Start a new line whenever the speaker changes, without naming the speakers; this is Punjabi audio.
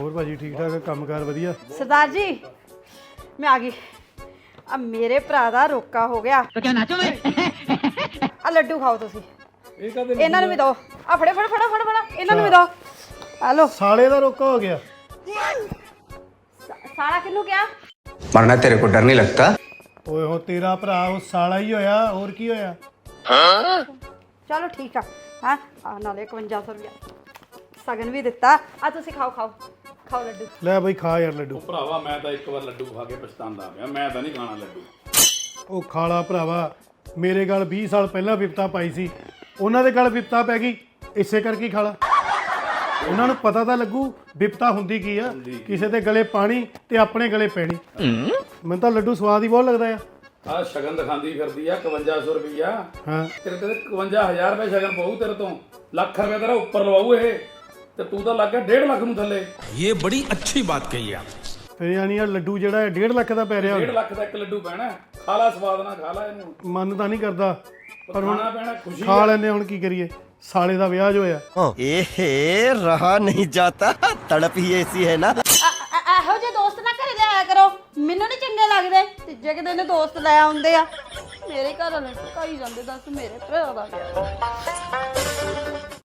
ਹੋਰ ਭਾਜੀ ਠੀਕ ਠਾਕ ਕੰਮਕਾਰ ਵਧੀਆ।
सरदार जी मैं आ गई। अब मेरे भरा दा रोका हो गया तो क्या नाचो मैं आ लड्डू खाओ तुसी ਇਹਨਾਂ ਨੂੰ ਵੀ ਦਿਓ। ਆ ਫੜੇ ਫੜ ਫੜਾ ਫੜ ਫੜਾ ਇਹਨਾਂ ਨੂੰ ਵੀ ਦਿਓ। ਆ ਲੋ।
ਸਾਲੇ ਦਾ ਰੋਕਾ ਹੋ ਗਿਆ।
ਸਾਲਾ ਕਿਹਨੂੰ ਕਿਹਾ?
मरना तेरे को डर नहीं लगता?
ਓਏ ਹੋ ਤੇਰਾ ਭਰਾ ਉਹ ਸਾਲਾ ਹੀ ਹੋਇਆ, ਹੋਰ ਕੀ ਹੋਇਆ?
ਚਲੋ ਠੀਕ ਆ। ਹਾਂ ਆ ਨਾਲੇ 5100 ਰੁਪਇਆ ਸਗਨ ਵੀ ਦਿੱਤਾ। ਆ ਤੁਸੀਂ ਖਾਓ ਖਾਓ ਖਾਓ ਲੱਡੂ।
ਲੈ ਬਈ ਖਾ ਯਾਰ ਲੱਡੂ।
ਭਰਾਵਾ ਮੈਂ ਤਾਂ ਇੱਕ ਵਾਰ ਲੱਡੂ ਖਾ ਕੇ ਪਛਤਾਉਂਦਾ ਪਿਆ। ਮੈਂ ਤਾਂ ਨਹੀਂ ਖਾਣਾ ਲੱਡੂ।
ਉਹ ਖਾਲਾ ਭਰਾਵਾ, ਮੇਰੇ ਗੱਲ 20 ਸਾਲ ਪਹਿਲਾਂ ਵਿਪਤਾ ਪਾਈ ਸੀ, ਉਹਨਾਂ ਦੇ ਗੱਲ ਵਿਪਤਾ ਪੈ ਗਈ, ਇਸੇ ਕਰਕੇ ਖਾਲਾ। ਉਹਨਾਂ ਨੂੰ ਪਤਾ ਤਾਂ ਲੱਗੂ ਵਿਪਤਾ ਹੁੰਦੀ ਕੀ ਆ, ਕਿਸੇ ਦੇ ਗਲੇ ਪਾਣੀ ਤੇ ਆਪਣੇ ਗਲੇ ਪੈਣੀ। ਮੈਨੂੰ ਤਾਂ ਲੱਡੂ ਸਵਾਦ ਹੀ ਬਹੁਤ ਲੱਗਦਾ ਆ।
ਆ ਸ਼ਗਨ ਦਿਖਾਉਂਦੀ ਫਿਰਦੀ ਆ 5100 ਰੁਪਈਆ।
ਹਾਂ
ਤੇਰੇ ਤੇ 51000 ਰੁਪਏ ਸ਼ਗਨ ਪਊ ਤੇਰੇ ਤੋਂ। ਲੱਖ ਰੁਪਏ ਤੇਰਾ ਉੱਪਰ ਲਵਾਊ ਇਹ, ਤੇ ਤੂੰ ਤਾਂ ਲੱਗ ਗਿਆ 1.5 ਲੱਖ ਨੂੰ ਥੱਲੇ।
ये बड़ी अच्छी बात कही आप।
ਫਿਰ ਯਾਨੀ ਆ ਲੱਡੂ ਜਿਹੜਾ ਹੈ 1.5 ਲੱਖ ਦਾ ਪੈ ਰਿਹਾ।
1.5 ਲੱਖ ਦਾ ਇੱਕ ਲੱਡੂ ਪੈਣਾ। ਖਾ ਲਾ ਸਵਾਦ ਨਾਲ ਖਾ ਲਾ ਇਹਨੂੰ।
ਮਨ ਤਾਂ ਨਹੀਂ ਕਰਦਾ ਪਰ ਹੁਣ
ਖਾਣਾ ਪੈਣਾ ਖੁਸ਼ੀ
ਖਾ ਲੈਂਦੇ। ਹੁਣ ਕੀ ਕਰੀਏ, ਸਾਲੇ ਦਾ ਵਿਆਹ ਜੋ ਹੋਇਆ।
रहा नहीं जाता, तड़प ही ऐसी है ना।
ਇਹੋ ਜਿਹੇ ਦੋਸਤ ਨਾ ਘਰੇ ਲਿਆਇਆ ਕਰੋ, ਮੈਨੂੰ ਨਹੀਂ ਚੰਗੇ ਲੱਗਦੇ। ਤੀਜੇ ਕਿ ਦਿਨ ਦੋਸਤ ਲੈ ਆਉਂਦੇ ਆ। ਮੇਰੇ ਘਰ ਵਾਲੇ ਕਹੀ ਜਾਂਦੇ ਦੱਸ ਮੇਰੇ ਭਰਾ ਦਾ ਵਿਆਹ।